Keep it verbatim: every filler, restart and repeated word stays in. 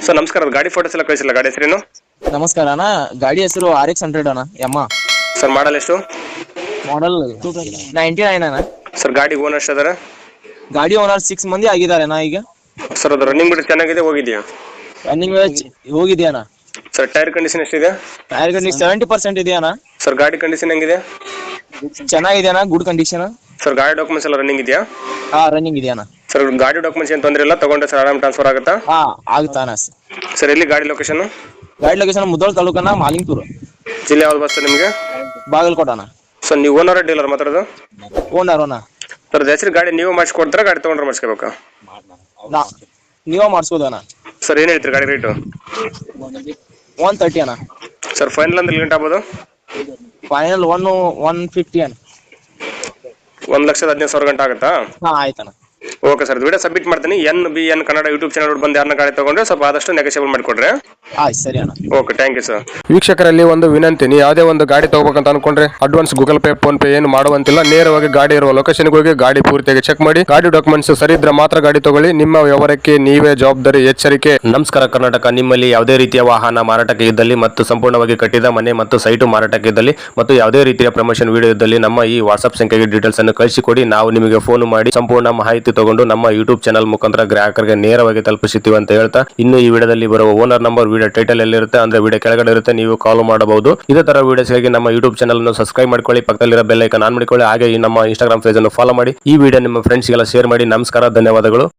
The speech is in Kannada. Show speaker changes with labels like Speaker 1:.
Speaker 1: ಸರ್ ನಮಸ್ಕಾರ, ಗಾಡಿ ಫೋಟೋಸ್ ಎಲ್ಲ ಕಳಿಸಿಲ್ಲ. ಗಾಡಿ ಹೆಸರೇನು?
Speaker 2: ನಮಸ್ಕಾರ ಅಣ್ಣ, ಗಾಡಿ ಹೆಸರು ಆರ್ ಎಕ್ಸ್ ಹಂಡ್ರೆಡ್ ಅಣ್ಣ, ಯಮ್ಮ.
Speaker 1: ಸರ್ ಮಾಡಲ್ ಎಷ್ಟು?
Speaker 2: ಮಾಡಲ್ ನೈಂಟಿ ನೈನ್ ಅಣ್ಣ.
Speaker 1: ಸರ್ ಗಾಡಿ ಓನರ್ ಎಷ್ಟು ಅದಾರ?
Speaker 2: ಗಾಡಿ ಓನರ್ ಸಿಕ್ಸ್ ಮಂದಿ ಆಗಿದ್ದಾರೆ ಅಣ್ಣ ಈಗ.
Speaker 1: ಸರ್ ಅದು ರನ್ನಿಂಗ್ ಬಿಟ್ಟು ಚೆನ್ನಾಗಿದೆ, ಹೋಗಿದೆಯಾ?
Speaker 2: ರನ್ನಿಂಗ್ ಹೋಗಿದೆಯಾ ಅಣ್ಣ.
Speaker 1: ಸರ್ ಟೈರ್ ಕಂಡೀಷನ್ ಎಷ್ಟಿದೆ?
Speaker 2: ಟೈರ್ ಕಂಡೀಷನ್ ಸೆವೆಂಟಿ ಪರ್ಸೆಂಟ್ ಇದೆಯಾ ಅಣ್ಣ.
Speaker 1: ಸರ್ ಗಾಡಿ ಕಂಡೀಷನ್ ಹೆಂಗಿದೆ?
Speaker 2: ಚೆನ್ನಾಗಿದೆ ಅಣ್ಣ, ಗುಡ್ ಕಂಡೀಷನ್.
Speaker 1: ಸರ್ ಗಾಡಿ ಡಾಕ್ಯುಮೆಂಟ್ಸ್ ಎಲ್ಲ ರನ್ನಿಂಗ್ ಇದೆಯಾ?
Speaker 2: ಹಾ ರನ್ನಿಂಗ್ ಇದೆಯಾ ಅಣ್ಣ.
Speaker 1: ಸರ್ ಗಾಡಿ ಡಾಕ್ಯುಮೆಂಟ್ಸ್ ಏನು ತೊಂದರೆ ಇಲ್ಲ, ತಗೊಂಡ್ರೆ ಸರ್ ಆರಾಮ್ ಟ್ರಾನ್ಸ್ಫರ್ ಆಗುತ್ತಾ?
Speaker 2: ಹಾ ಆಗುತ್ತಾ ಅಣ್ಣ.
Speaker 1: ಸರ್ ಎಲ್ಲಿ ಗಾಡಿ ಲೊಕೇಶನ್?
Speaker 2: ಗಾಡಿ ಲೊಕೇಶನ್ ಮುದೋಳ್ ತಾಲೂಕನ ಮಾಲಿಂಗ್ಪುರ್
Speaker 1: ಜಿಲ್ಲೆ ಯಾವ್ದು ಬಸ್ ನಿಮಗೆ?
Speaker 2: ಬಾಗಲಕೋಟ ಅಣ್ಣ.
Speaker 1: ಸರ್ ನೀವು ಓನರ್ ಡೀಲರ್ ಮಾತಾಡೋದು?
Speaker 2: ಓನರ್ ಅಣ್ಣ.
Speaker 1: ಸರ್ ಹೆಸರು ಗಾಡಿ ನೀವು ಮಾಡಿಸ್ಕೊಡ್ತಾರ, ಗಾಡಿ ತೊಗೊಂಡ್ರೆ ಮಾಡಿಸ್ಕೋಬೇಕಾ?
Speaker 2: ನಾ ನೀವ ಮಾಡಿಸ್ಬೋದು ಅಣ್ಣ.
Speaker 1: ಸರ್ ಏನು ಹೇಳ್ತೀರಿ ಗಾಡಿ ರೇಟು?
Speaker 2: ಒನ್ ತರ್ಟಿ ಅಣ್ಣ.
Speaker 1: ಸರ್ ಫೈನಲ್ ಅಂದ್ರೆ ಲಿಮಿಟ್ ಆಗ್ಬೋದು?
Speaker 2: ಫೈನಲ್ ಒನ್ ಒನ್ ಫಿಫ್ಟಿ ಅಣ್ಣ.
Speaker 1: ಒಂದು ಲಕ್ಷದ ಹದಿನೈದು ಸಾವಿರ ಗಂಟೆ ಆಗುತ್ತಾ?
Speaker 2: ಹಾ ಆಯ್ತಣ್ಣ.
Speaker 1: ಓಕೆ ಸರ್, ವಿಡಿಯೋ ಸಬ್ಮಿಟ್ ಮಾಡ್ತೀನಿ. N B N Kannada YouTube channel ಬಂದು ಯಾರನ್ನ ಗಾಡಿ ತಗೊಂಡ್ರೆ ಸ್ವಲ್ಪ ಆದಷ್ಟು ನೆಗೋಷಿಯೇಬಲ್ ಮಾಡಿಕೊಡ್ರೆ.
Speaker 2: ಆಯ್ತು ಸರಿ ಅಣ್ಣ.
Speaker 1: Okay, thank you sir. ವೀಕ್ಷಕರಲ್ಲಿ ಒಂದು ವಿನಂತಿ, ನೀವು ಯಾವುದೇ ಒಂದು ಗಾಡಿ ತಗೋಬೇಕಂತ ಅನ್ಕೊಂಡ್ರೆ advance Google pay PhonePe ಏನು ಮಾಡುವಂತಿಲ್ಲ. ನೇರವಾಗಿ ಗಾಡಿ ಇರುವ ಲೊಕೇಶನ್ಗೆ ಹೋಗಿ ಗಾಡಿ ಪೂರ್ತಿಯಾಗಿ ಚೆಕ್ ಮಾಡಿ, ಗಾಡಿ ಡಾಕ್ಯುಮೆಂಟ್ಸ್ ಸರಿ ಇದ್ರೆ ಮಾತ್ರ ಗಾಡಿ ತಗೊಳ್ಳಿ. ನಿಮ್ಮ ವ್ಯವಹಾರಕ್ಕೆ ನೀವೇ ಜವಾಬ್ದಾರಿ. ಎಚ್ಚರಿಕೆ. ನಮಸ್ಕಾರ ಕರ್ನಾಟಕ. ನಿಮ್ಮಲ್ಲಿ ಯಾವುದೇ ರೀತಿಯ ವಾಹನ ಮಾರಾಟಕ್ಕೆ ಇದ್ದಲ್ಲಿ ಮತ್ತು ಸಂಪೂರ್ಣವಾಗಿ ಕಟ್ಟಿದ ಮನೆ ಮತ್ತು ಸೈಟು ಮಾರಾಟಕ್ಕೆ ಇದ್ದಲ್ಲಿ ಮತ್ತು ಯಾವುದೇ ರೀತಿಯ ಪ್ರಮೋಷನ್ ವಿಡಿಯೋ ಇದ್ದಲ್ಲಿ ನಮ್ಮ ಈ ವಾಟ್ಸ್ಆಪ್ ಸಂಖ್ಯೆಗೆ ಡೀಟೇಲ್ಸ್ ಅನ್ನು ಕಳಿಸಿಕೊಡಿ. ನಾವು ನಿಮಗೆ ಫೋನ್ ಮಾಡಿ ಸಂಪೂರ್ಣ ಮಾಹಿತಿ ತಗೊಂಡು ನಮ್ಮ ಯೂಟ್ಯೂಬ್ ಚಾನಲ್ ಮುಖಾಂತರ ಗ್ರಾಹಕರಿಗೆ ನೇರವಾಗಿ ತಲುಪಿಸುತ್ತೀವಿ ಅಂತ ಹೇಳ್ತಾ, ಇನ್ನು ಈ ವಿಡಿಯೋದಲ್ಲಿ ಬರುವ ಓನರ್ ನಂಬರ್ ವಿಡಿಯೋ ಟೈಟಲ್ ಎಲ್ಲಿರುತ್ತೆ ಅಂದ್ರೆ ವಿಡಿಯೋ ಕೆಳಗಡೆ ಇರುತ್ತೆ, ನೀವು ಕಾಲ್ ಮಾಡಬಹುದು. ಇದೇ ತರ ವಿಡಿಯೋಸ್ಗಾಗಿ ನಮ್ಮ ಯೂಟ್ಯೂಬ್ ಚಾನಲ್ ಅನ್ನು ಸಬ್ಸ್ಕ್ರೈಬ್ ಮಾಡ್ಕೊಳ್ಳಿ, ಪಕ್ಕದಲ್ಲಿರೋ ಬೆಲ್ ಐಕಾನ್ ಆನ್ ಮಾಡಿಕೊಳ್ಳಿ. ಹಾಗೆ ಈ ನಮ್ಮ ಇನ್ಸ್ಟಾಗ್ರಾಮ್ ಪೇಜ್ ಅನ್ನು ಫಾಲೋ ಮಾಡಿ. ಈ ವಿಡಿಯೋ ನಿಮ್ಮ ಫ್ರೆಂಡ್ಸ್ಗೆಲ್ಲ ಶೇರ್ ಮಾಡಿ. ನಮಸ್ಕಾರ, ಧನ್ಯವಾದಗಳು.